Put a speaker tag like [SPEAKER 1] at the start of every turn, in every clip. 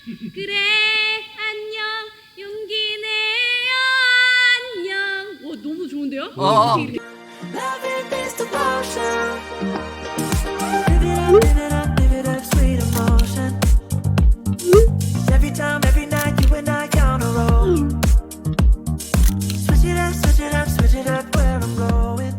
[SPEAKER 1] 그래 안녕 용기 내요 안녕. 와 너무 좋은데요?
[SPEAKER 2] Loving is the potion. Live it up, live it up, live it up, sweet emotion. Every time, every night, you and I on a roll. Switch it up, switch it up, switch it up, where I'm going.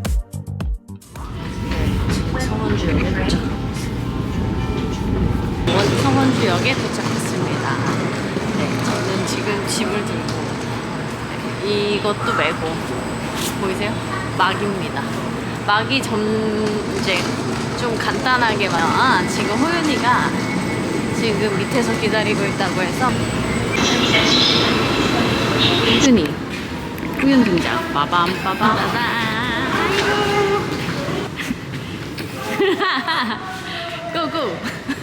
[SPEAKER 1] 성원주역에 도착했습니다. 네, 저는 지금 짐을 들고 이것도 메고 보이세요? 막입니다. 막이 이제 좀 간단하게만 지금 호윤이가 지금 밑에서 기다리고 있다고 해서 호윤 등장. 빠밤 빠밤. 고고.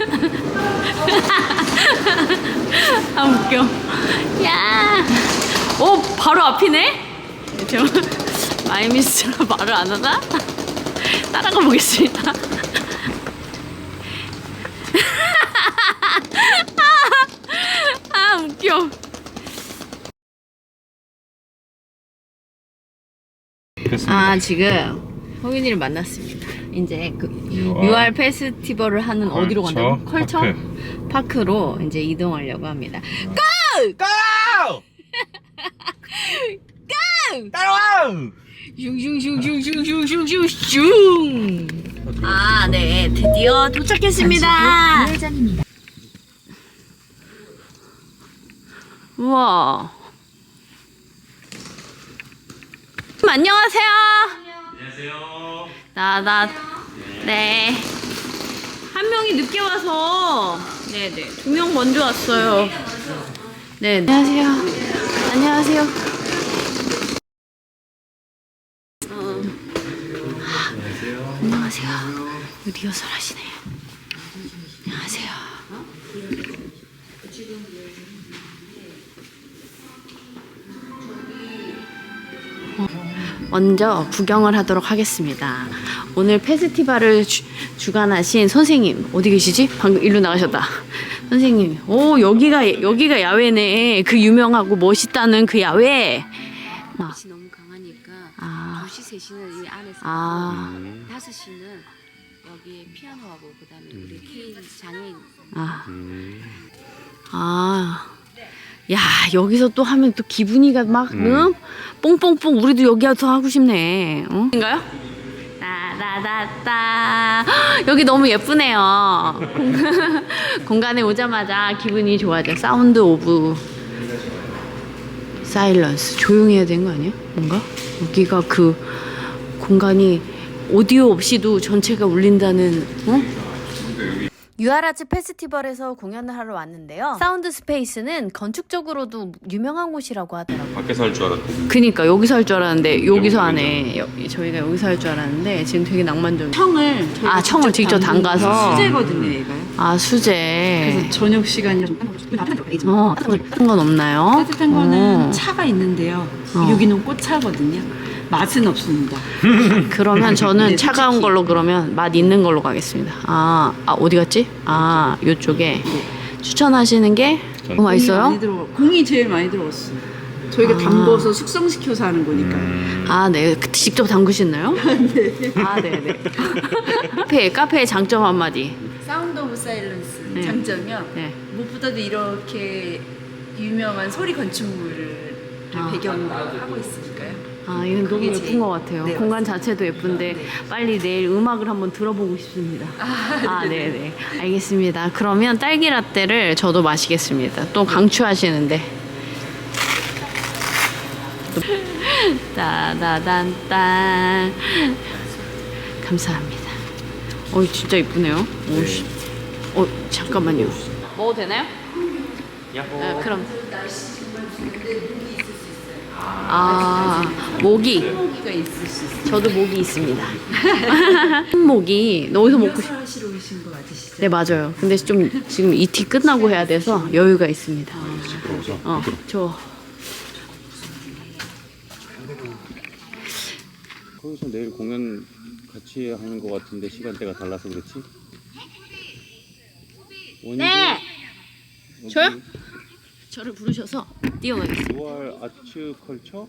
[SPEAKER 1] 아 웃겨. 야. 오 바로 앞이네. 저 마이미스가 말을 안 하나? 따라가 보겠습니다. 아 웃겨. 아 지금 호윤이를 만났습니다. 이제 그 UR 페스티벌을 하는 어디로 간다고? 컬처 파크로 이제 이동하려고 합니다. 고!
[SPEAKER 3] 고!
[SPEAKER 1] 고!
[SPEAKER 3] 따라와!
[SPEAKER 1] 슝슝슝슝슝슝슝슝. 아, 네, 드디어 도착했습니다.
[SPEAKER 4] 우회전입니다.
[SPEAKER 1] 우와. 안녕하세요.
[SPEAKER 3] 안녕하세요.
[SPEAKER 1] 네. 한 명이 늦게 와서, 네네. 2명 먼저 왔어요. 네. 안녕하세요. 안녕하세요. 안녕하세요. 리허설 하시네. 안녕하세요. 먼저 구경을 하도록 하겠습니다. 오늘 페스티벌을 주관하신 선생님 어디 계시지? 방금 일로 나가셨다. 선생님, 오 여기가 야외네. 그 유명하고 멋있다는 그 야외.
[SPEAKER 4] 빛이 너무 강하니까 2시, 3시는 이 안에서 5시는 여기에 피아노하고 그다음에 우리 케인 장애인
[SPEAKER 1] 야 여기서 또 하면 또 기분이가 막 뽕뽕뽕. 우리도 여기 와서 하고 싶네. 인가요? 따다다따. 여기 너무 예쁘네요. 공간에 오자마자 기분이 좋아져. 사운드 오브 사일런스. 조용해야 되는 거 아니야? 뭔가? 여기가 그 공간이 오디오 없이도 전체가 울린다는. 유아라츠 페스티벌에서 공연을 하러 왔는데요. 사운드 스페이스는 건축적으로도 유명한 곳이라고 하더라고요.
[SPEAKER 3] 밖에서 할 줄 알았더니.
[SPEAKER 1] 그니까 여기서 할 줄 알았는데 여기서 하네. 저희가 여기서 할 줄 알았는데 지금 되게 낭만적. 청을 직접 담가서.
[SPEAKER 5] 수제거든요, 얘가요.
[SPEAKER 1] 아 수제.
[SPEAKER 5] 그래서 저녁 시간이 좀
[SPEAKER 1] 따뜻한 건 없나요?
[SPEAKER 5] 따뜻한 거는 차가 있는데요. 여기는 꽃차거든요. 맛은 없습니다.
[SPEAKER 1] 그러면 저는
[SPEAKER 5] 네,
[SPEAKER 1] 차가운
[SPEAKER 5] 솔직히.
[SPEAKER 1] 걸로 그러면 맛 있는 걸로 가겠습니다. 어디 갔지? 요쪽에 추천하시는 게 맛있어요?
[SPEAKER 5] 공이 제일 많이 들어갔어요. 저희가 담궈서 숙성시켜서 하는 거니까.
[SPEAKER 1] 네. 직접 담그시나요? 네. 네네. 카페의 장점 한마디.
[SPEAKER 4] 사운드 오브 사일런스
[SPEAKER 1] 네.
[SPEAKER 4] 장점이요.
[SPEAKER 1] 네.
[SPEAKER 4] 무엇보다도 이렇게 유명한 소리 건축물을 배경으로 하고 있으니까요.
[SPEAKER 1] 이건 너무 예쁜
[SPEAKER 4] 제일-
[SPEAKER 1] 것 같아요.
[SPEAKER 4] 네,
[SPEAKER 1] 공간 자체도 예쁜데 빨리 내일 음악을 한번 들어보고 싶습니다. 네네. 알겠습니다. 그러면 딸기 라떼를 저도 마시겠습니다. 또 강추하시는데. 따다단딴. 감사합니다. 진짜 이쁘네요. 잠깐만요. 먹어도 되나요?
[SPEAKER 3] 야호.
[SPEAKER 1] 그럼. 모기.
[SPEAKER 4] 소고기가 있을 수 있어요.
[SPEAKER 1] 저도 모기 있습니다. 모기 어디서 먹고 싶?
[SPEAKER 4] 하시러 오신 거 맞으시죠?
[SPEAKER 1] 네 맞아요. 근데 좀 지금 이티 끝나고 해야 돼서 여유가 있습니다.
[SPEAKER 3] 거기서 내일 공연 같이 하는 것 같은데 시간대가 달라서 그렇지?
[SPEAKER 1] 네. 저요? 저를 부르셔서 뛰어가겠습니다.
[SPEAKER 3] 6월 아츠 컬처?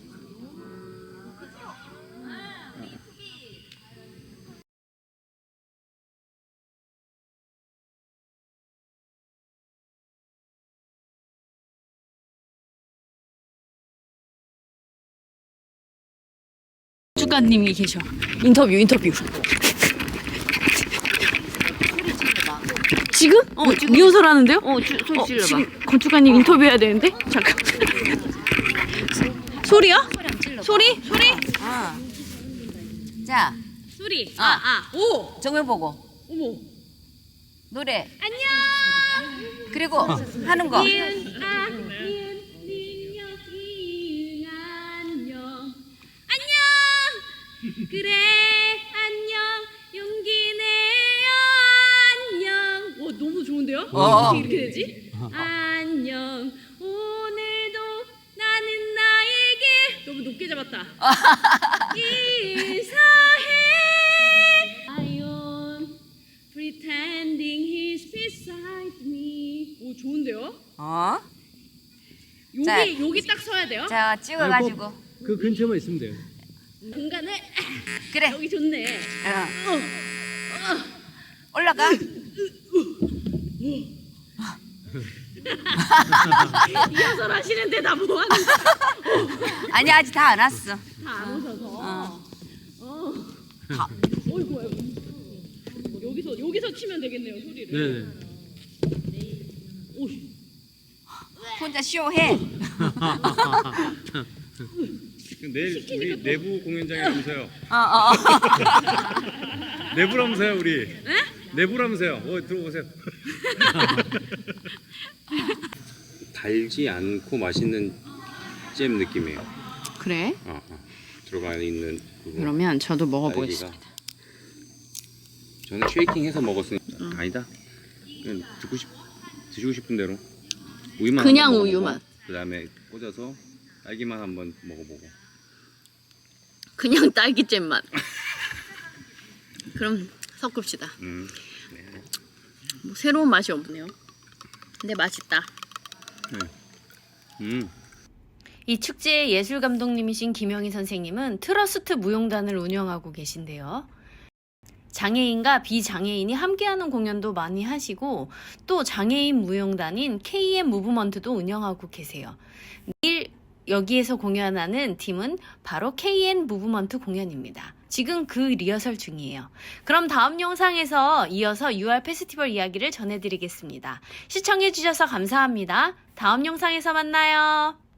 [SPEAKER 1] 주가님이 계셔. 인터뷰. 지금?
[SPEAKER 4] 지금.
[SPEAKER 1] 리허설 하는데요?
[SPEAKER 4] 소리 질러봐.
[SPEAKER 1] 지금 건축가님 인터뷰해야 되는데? 잠깐. 소리야? 소리?
[SPEAKER 4] 자,
[SPEAKER 1] 소리.
[SPEAKER 4] 오. 정면 보고.
[SPEAKER 1] 어머.
[SPEAKER 4] 노래. 안녕. 그리고 하는 거.
[SPEAKER 1] 그래 안녕 용기 내요 안녕. 와 너무 좋은데요? 어떻게 이렇게 되지? 안녕 오늘도 나는 나에게 너무 높게 잡았다. 인사해 I am pretending he's beside me. 오 좋은데요?
[SPEAKER 4] 자.
[SPEAKER 1] 여기 딱 서야 돼요?
[SPEAKER 4] 자, 찍어가지고.
[SPEAKER 6] 그 근처만 있으면 돼요.
[SPEAKER 1] 공간을
[SPEAKER 4] 그래.
[SPEAKER 1] 여기 좋네.
[SPEAKER 4] 올라가.
[SPEAKER 1] 리허설 하시는데 나 뭐 하는
[SPEAKER 4] 아니, 아직 다 안 왔어.
[SPEAKER 1] 다안 오셔서. 어이구. 여기서 치면 되겠네요 소리를.
[SPEAKER 6] 네네.
[SPEAKER 1] 오.
[SPEAKER 4] 혼자 쇼해.
[SPEAKER 3] 내일 우리 내부 공연장이라면서요.
[SPEAKER 4] 어.
[SPEAKER 3] 내부라면서요 우리. 내부라면서요. 들어보세요. 달지 않고 맛있는 잼 느낌이에요.
[SPEAKER 1] 그래?
[SPEAKER 3] 들어가 있는 그거.
[SPEAKER 1] 그러면 저도 먹어보겠습니다.
[SPEAKER 3] 딸기가. 저는 쉐이킹해서 먹었으니까 아니다. 그냥 드시고 싶은 대로 우유만
[SPEAKER 1] 그냥
[SPEAKER 3] 한번 먹어보고,
[SPEAKER 1] 우유만.
[SPEAKER 3] 그다음에 꽂아서 딸기만 한번 먹어보고.
[SPEAKER 1] 그냥 딸기잼 맛. 그럼 섞읍시다. 뭐 새로운 맛이 없네요. 근데 맛있다. 이 축제의 예술 감독님이신 김영희 선생님은 트러스트 무용단을 운영하고 계신데요. 장애인과 비장애인이 함께하는 공연도 많이 하시고 또 장애인 무용단인 KM 무브먼트도 운영하고 계세요. 내일 여기에서 공연하는 팀은 바로 KN 무브먼트 공연입니다. 지금 그 리허설 중이에요. 그럼 다음 영상에서 이어서 6월 페스티벌 이야기를 전해드리겠습니다. 시청해주셔서 감사합니다. 다음 영상에서 만나요.